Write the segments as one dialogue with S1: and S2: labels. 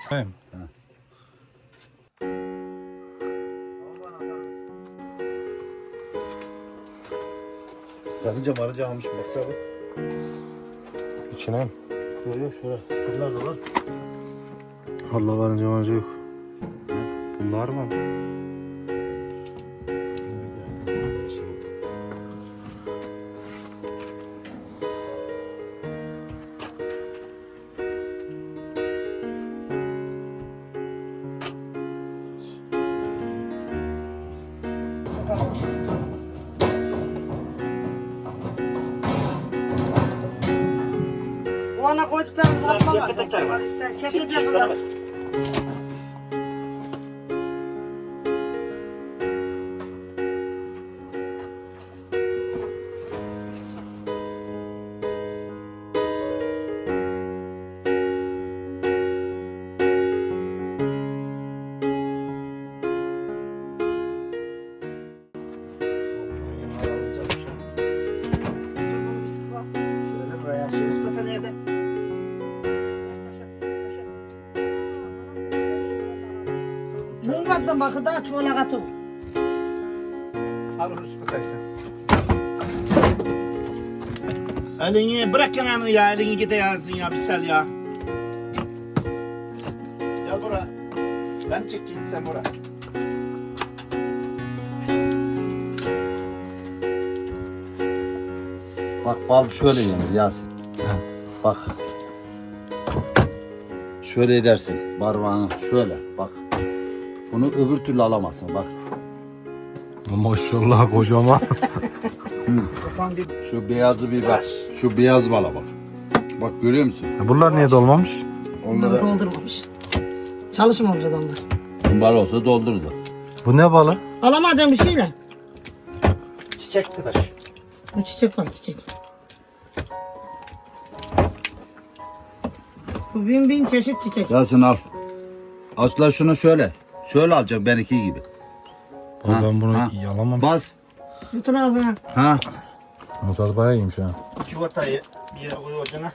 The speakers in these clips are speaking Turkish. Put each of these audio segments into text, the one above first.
S1: He.
S2: Sakınca marınca almış baksana.
S1: İçine mi?
S2: Yok yok şurada. Şuralar da var.
S1: Allah varınca yok. Bunlar mı?
S3: Ona koyduklarımızı atmamaz. Keseceğiz onları.
S2: Şöyle buraya şey ispata nerede?
S3: Bunlardan bakır daha çoğuna katı.
S2: Al onu ispatayı sen. Elini bırak kenarını ya, elini gide yazsın ya, bir sel ya. Gel buraya. Ben çekeceğim, sen buraya. Bak bal şöyle yenir Yasin. Bak. Şöyle edersin parmağını şöyle bak. Bunu öbür türlü alamazsın bak.
S1: Maşallah kocaman.
S2: Şu beyazı bir bak. Şu beyaz bala bak. Bak görüyor musun?
S1: Bunlar niye dolmamış?
S3: Bunları doldurmamış. Çalışmamış adamlar.
S2: Bal olsa doldurdu.
S1: Bu ne balı?
S3: Alamadığım bir şeyle.
S2: Çiçek arkadaş.
S3: Bu çiçek var çiçek. Bu bin çeşit çiçek.
S2: Yasin al. Asla şunu şöyle. Şöyle alacak benimki gibi.
S1: Abi ben bunu
S2: ha.
S1: yalamam.
S2: Bas.
S3: Bütün ağzına.
S2: Ha.
S1: Bu tadı bayağı iyiymiş ha.
S2: Çuvatayı bir yere koy ocağına.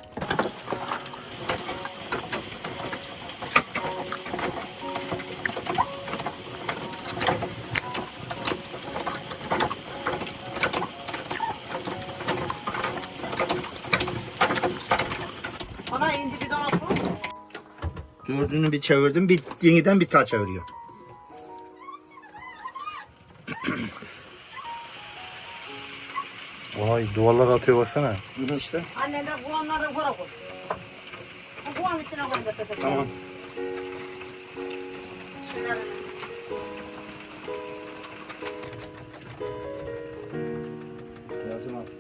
S3: Bana indi bir tane su.
S2: Dördünü bir çevirdim. Bir yeniden bir daha çeviriyor.
S1: Vay duvarlar atıyor baksana.
S2: Bunu işte.
S3: Anne de kuğanları yukarı koy. Bu kuğanın içine koy da pepe.
S2: Tamam. Yasin al.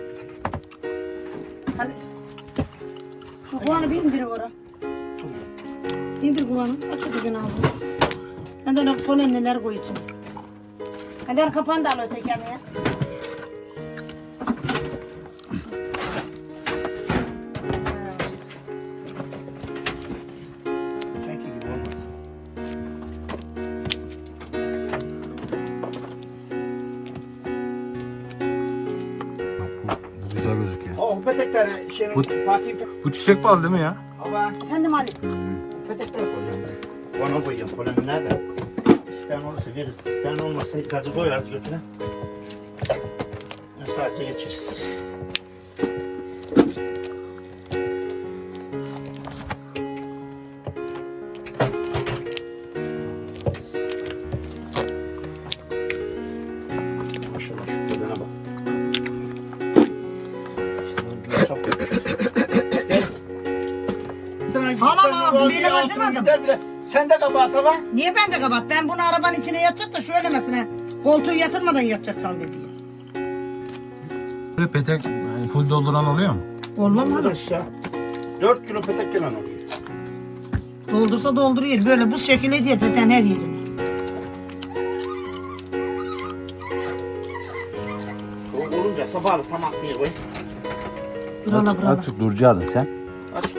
S3: Hadi. Şu kuğanı bir indir oraya. İndir kuğanı. Aç o düğün ağzını. Ben de öyle polenliler koy içine. Hadi kapağını da al öteki yanına.
S2: Sanki gibi olmaz.
S1: Bu güzel gözüküyor.
S2: Oh petekleri şeyin Fatih.
S1: Bu çiçek balı değil mi ya?
S2: Baba.
S3: Efendim Ali.
S2: Petekleri koyuyorum. Bana koyuyorum. Polen nerede? İsteyen olursa veririz. İsteyen olmazsa gazı koyarız götüne. Sadece geçeriz. Maşallah şu polene bak.
S3: Halam benim acımadım.
S2: Sen de kabahat ama.
S3: Niye ben de kapat? Ben bunu arabanın içine yatacak da şöyle mesela koltuğu yatırmadan yatacaksan dedi.
S1: Böyle petek full dolduran oluyor mu?
S3: Olmaz mı?
S2: Aşağı. 4 kilo petek gelen oluyor.
S3: Doldursa dolduruyor. Böyle bu şekilde diye zaten her yerim.
S2: O olunca sabahlı tamam bir koy.
S3: Burala burala.
S2: Açık duracaksın sen. Açık.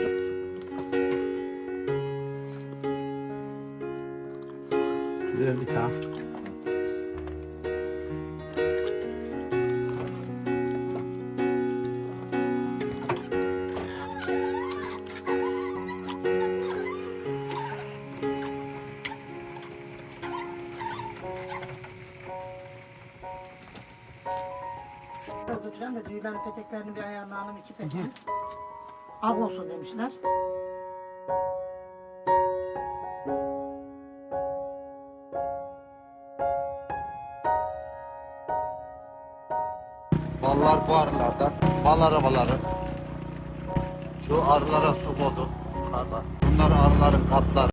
S2: Ver bir tane.
S3: götüren de düğülerin peteklerini bir ayarlayalım 2 petek. Ak olsun demişler.
S4: Ballar bu arılardan. Bal arabaları. Şu arılara su koydum. Bunlar arıların katları.